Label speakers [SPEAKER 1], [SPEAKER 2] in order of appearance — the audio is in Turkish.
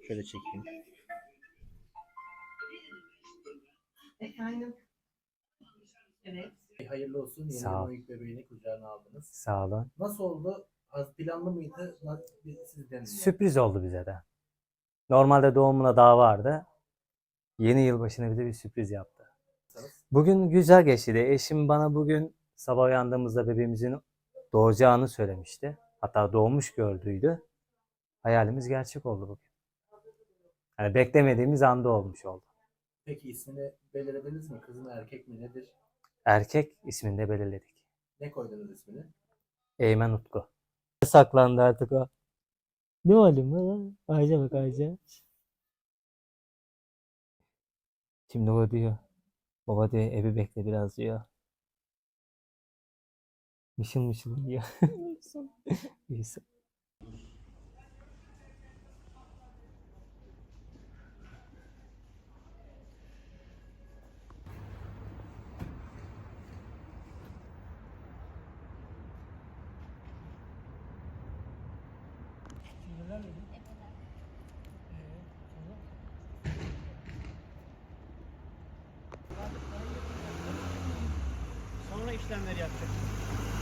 [SPEAKER 1] Şöyle çekeyim.
[SPEAKER 2] Efendim. Evet.
[SPEAKER 1] Hayırlı olsun. Yeni
[SPEAKER 3] Sağ
[SPEAKER 1] yılın
[SPEAKER 3] ol.
[SPEAKER 1] ilk bebeğini kucağına aldınız.
[SPEAKER 3] Sağ olun.
[SPEAKER 1] Nasıl oldu? Az planlı mıydı? Sizden mi?
[SPEAKER 3] Sürpriz oldu bize de. Normalde doğumuna daha vardı. Yeni yılbaşına bize bir sürpriz yaptı. Bugün güzel geçti de eşim bana bugün sabah uyandığımızda bebeğimizin doğacağını söylemişti. Hatta doğmuş gördüydü. Hayalimiz gerçek oldu bugün. Yani beklemediğimiz anda olmuş oldu.
[SPEAKER 1] Peki ismini belirlediniz mi? Kız mı erkek mi nedir?
[SPEAKER 3] Erkek ismini de belirledik.
[SPEAKER 1] Ne koydunuz ismini?
[SPEAKER 3] Eymen Utku. Saklandı artık o. Ne oğlum lan? Ayca bak Ayca. Şimdi o diyor. Baba diyor evi bekle biraz diyor. Mışıl mışıl diyor. İyisi.
[SPEAKER 4] Sonra işlemleri yapacak.